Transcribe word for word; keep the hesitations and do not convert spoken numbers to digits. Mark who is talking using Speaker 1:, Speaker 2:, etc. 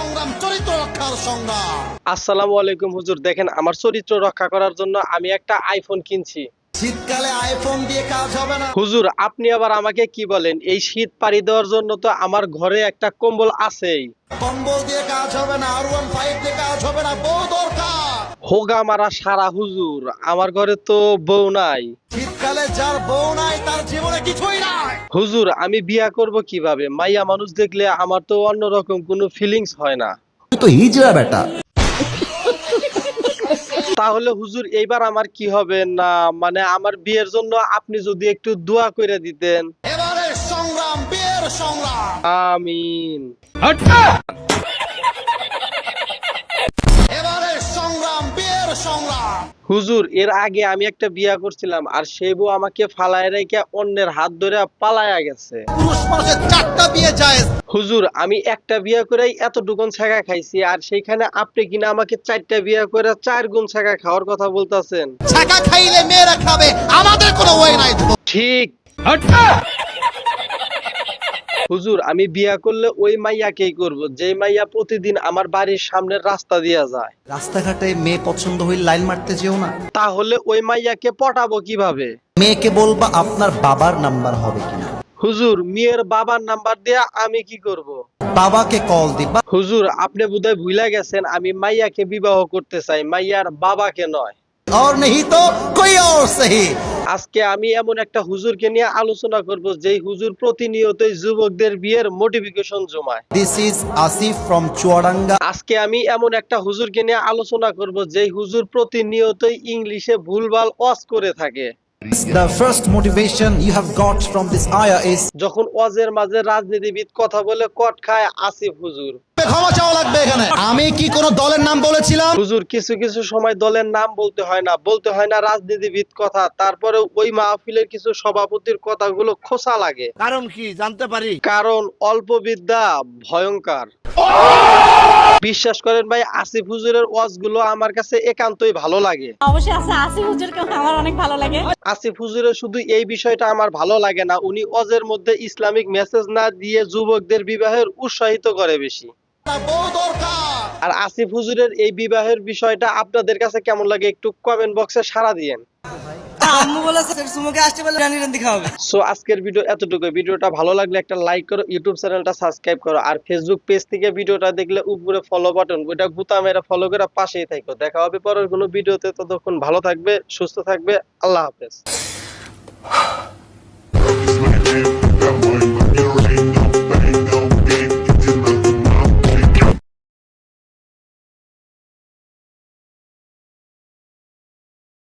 Speaker 1: সংগ্রাম চরিত্র রক্ষার সংগ্রাম।
Speaker 2: আসসালামু আলাইকুম হুজুর, দেখেন আমার চরিত্র রক্ষা করার জন্য আমি একটা আইফোন কিনছি।
Speaker 1: শীতকালে আইফোন দিয়ে কাজ হবে না
Speaker 2: হুজুর, আপনি আবার আমাকে কি বলেন? এই শীত পাড়ি দেওয়ার জন্য তো আমার ঘরে একটা কম্বল আছেই।
Speaker 1: কম্বল দিয়ে কাজ হবে না, আর ওয়ান ফাইভ দিয়ে কাজ হবে না, বউ দরকার।
Speaker 2: হোগা মারা সারা হুজুর, আমার ঘরে তো বউ নাই।
Speaker 1: শীতকালে যার বউ নাই তার জীবনে কিছুই নাই।
Speaker 2: হুজুর, আমি বিয়া করব কিভাবে? মাইয়া মানুষ দেখলে আমার তো অন্যরকম কোনো ফিলিংস হয় না।
Speaker 3: তো হিজড়া বেটা।
Speaker 2: তাহলে হুজুর এইবার আমার কি হবে? না মানে আমার বিয়ের জন্য আপনি যদি একটু দোয়া করে দিতেন।
Speaker 1: এবারে সংগ্রাম, বিয়ের সংগ্রাম।
Speaker 2: আমিন।
Speaker 1: এবারে সংগ্রাম, বিয়ের সংগ্রাম।
Speaker 2: হুজুর, এর আগে আমি একটা বিয়া করছিলাম, আর সেই বউ আমাকে ফালায় রেখে অন্যের হাত ধরে পালায়া গেছে।
Speaker 1: পুরুষ মানুষের চারটা বিয়ে জায়েজ।
Speaker 2: হুজুর, আমি একটা বিয়া করেই এতটুকুন ছাগা খাইছি, আর সেইখানে আপনি কিনা আমাকে চারটা বিয়া করে চার গুণ ছাগা খাওয়ার কথা বলতেছেন।
Speaker 1: ছাকা খাইলে মেয়েরা খাবে, আমাদের কোনো ওয়ে নাই।
Speaker 2: ঠিক। হুজুর, আমি বিয়া করলে ওই মাইয়াকেই করব যে মাইয়া প্রতিদিন আমার বাড়ির সামনের রাস্তা দিয়া যায়।
Speaker 3: রাস্তাঘাটে মেয়ে পছন্দ হইলে লাইন মারতে যেও না।
Speaker 2: তাহলে ওই মাইয়াকে পটাবো কিভাবে?
Speaker 3: মেয়েকে বলবা আপনার বাবার নাম্বার হবে কিনা।
Speaker 2: হুজুর, মেয়ের বাবার নাম্বার দিয়া আমি কি করব?
Speaker 3: বাবাকে কল দিবা।
Speaker 2: হুজুর, আপনি বোধহয় ভুলে গেছেন আমি মাইয়াকে বিবাহ করতে চাই, মাইয়ার বাবাকে নয়।
Speaker 3: और नहीं तो कोई और सही।
Speaker 2: আজকে আমি এমন একটা হুজুরকে নিয়ে আলোচনা করব যেই হুজুর প্রতিনিয়তই যুবকদের বিয়ের নোটিফিকেশন জমায়।
Speaker 3: This is Asif from Chuaranga.
Speaker 2: আজকে আমি এমন একটা হুজুরকে নিয়ে আলোচনা করব যেই হুজুর প্রতিনিয়তই ইংলিশে ভুলভাল ওয়াজ করে থাকে।
Speaker 3: The first motivation you have got from this ayah is
Speaker 2: যখন ওয়াজের মাঝে রাজনীতিবিদ কথা বলে কট খায় আসিফ হুজুর।
Speaker 1: ক্ষমা চাওয়া লাগবে এখানে। আমি কি কোন দলের নাম বলেছিলাম?
Speaker 2: হুজুর, কিছু কিছু সময় দলের নাম বলতে হয় না, বলতে হয় না রাজনীতিবিদ কথা, তারপরে ওই মাহফিলের কিছু সভাপতির কথাগুলো খোসা লাগে।
Speaker 1: কারণ কি জানতে পারি?
Speaker 2: কারণ অল্প বিদ্যা ভয়ঙ্কর। বিশ্বাস করেন ভাই, আসিফ হুজুরের ওয়াজগুলো আমার কাছে একান্তই ভালো লাগে।
Speaker 4: অবশ্যই আছে, আসিফ হুজুরকে আমার অনেক ভালো লাগে।
Speaker 2: আসিফ হুজুরের শুধু এই বিষয়টা আমার ভালো লাগে না, উনি ওয়াজের মধ্যে ইসলামিক মেসেজ না দিয়ে যুবকদের বিবাহের উৎসাহিত করে বেশি।
Speaker 1: বউ দরকার।
Speaker 2: আর আসিফ হুজুরের এই বিবাহের বিষয়টা আপনাদের কাছে কেমন লাগে একটু কমেন্ট বক্সে সাড়া দিয়েন।
Speaker 5: আম্মু বলেছে সুমুকে আসতে বলে রানী রান্দি খাওয়াবে।
Speaker 2: সো আজকের ভিডিও এতটুকু। ভিডিওটা ভালো লাগলে একটা লাইক করো, ইউটিউব চ্যানেলটা সাবস্ক্রাইব করো, আর ফেসবুক পেজ থেকে ভিডিওটা দেখলে উপরে ফলো বাটন ওইটা গুতা মেরে ফলো করে পাশেই থাকো। দেখা হবে পরের কোনো ভিডিওতে, ততক্ষণ ভালো থাকবে, সুস্থ থাকবে, আল্লাহ হাফেজ।